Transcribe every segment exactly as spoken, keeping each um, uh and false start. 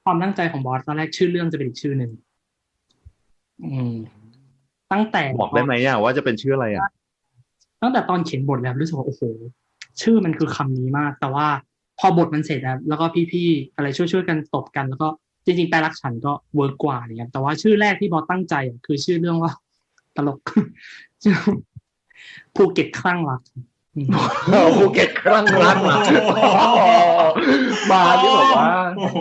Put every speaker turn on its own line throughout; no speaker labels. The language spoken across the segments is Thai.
ความตั้งใจของบอสตอนแรกชื่อเรื่องจะเป็นอีกชื่อหนึ่งอืมตั้งแต่
บอกได้ไหมอ่ะว่าจะเป็นชื่ออะไรอ่ะ
ตั้งแต่ตอนเขียนบทแล้วรู้สึกว่าโอ้โหชื่อมันคือคำนี้มากแต่ว่าพอบทมันเสร็จแล้วแล้วก็พี่ๆอะไรช่วยๆกันตบกันแล้วก็จริงๆแปลรักฉันก็เวิร์กกว่าอะไรเงี้ยแต่ว่าชื่อแรกที่บอสตั้งใจอะคือชื่อเรื่องว่าตลกชื่อภูเก็ตคลั่งรักอืม
ภูเก็ตครั้งรักมามาที่แบบว่า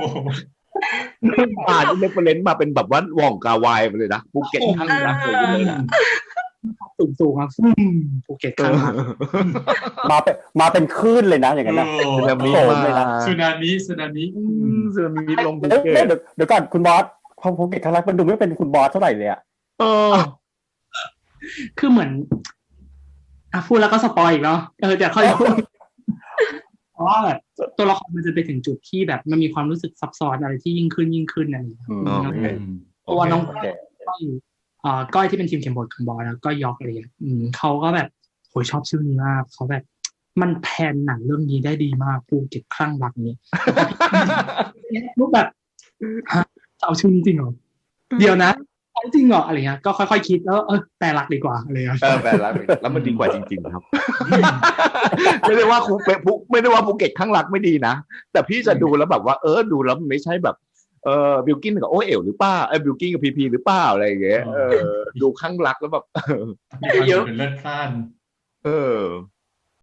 มาที่เรฟเฟรนซ์มาเป็นแบบว่าว่องกาวายไปเลยนะภูเก็ตครั้งรักเลยเลยนะ
สูงสูงครับฟูมภูเก็ตคลั่งรัก
มาเป็นมาเป็นคลื่นเลยนะอย่างนั้นนะ
สึนามิ
โผล่
มา
เลยนะ
สึนามิสึนามิ
สึนามิลงภู
เอ๊ะ
เก็ต
เดี๋ยวเดี๋ยวก่อนคุณบอสพอภูเก็ตครั้งแรกมันดูไม่เป็นคุณบอสเท่าไหร่เลยอะ
เออ
คือเหมือนอ่ะพูดแล้วก็สปอยอีกเนาะเออเดี๋ยวค่อยพูดเพราะว่าแบบตัวละครมันจะไปถึงจุดที่แบบมันมีความรู้สึกซับซ้อนอะไรที่ยิ่งขึ้นยิ่งขึ้นอะไรอย่างเงี้ย
อืม
โอเค
ตัวน้อง
โอเค
ก้อยอ่าก้อยที่เป็นทีมเขียนบทของบอยแล้วก็ยอกอะไรอย่างเงี้ยอืมเขาก็แบบโหยชอบชื่อนี้มากเขาแบบมันแพนหนังเรื่องนี้ได้ดีมากภูเก็ตคลั่งรักนี้รูปแบบฮะจะเอาชื่อนี้จริงเหรอเดี๋ยวนะเอาจริงเหรออะไรเงี้ยก็ค่อยๆคิดแล้วเออแต่รักดีกว่าอะไรเงี้ย
เออแปลแล้วแล้วมันดีกว่าจริงๆครับไม่ได้ว่าภูเก็ตไม่ได้ว่าภูเก็ตข้างรักไม่ดีนะแต่พี่จะดูแล้วแบบว่าเออดูแล้วมันไม่ใช่แบบเออบิลกินกับโอเอ๋วหรือเปล่าเออบิลกินกับพีพีหรือเปล่าอะไรอย่างเงี้ยเออดูข้างรักแล้วแบบ
มีความสุขเป็นเลิศพล่าน
เออ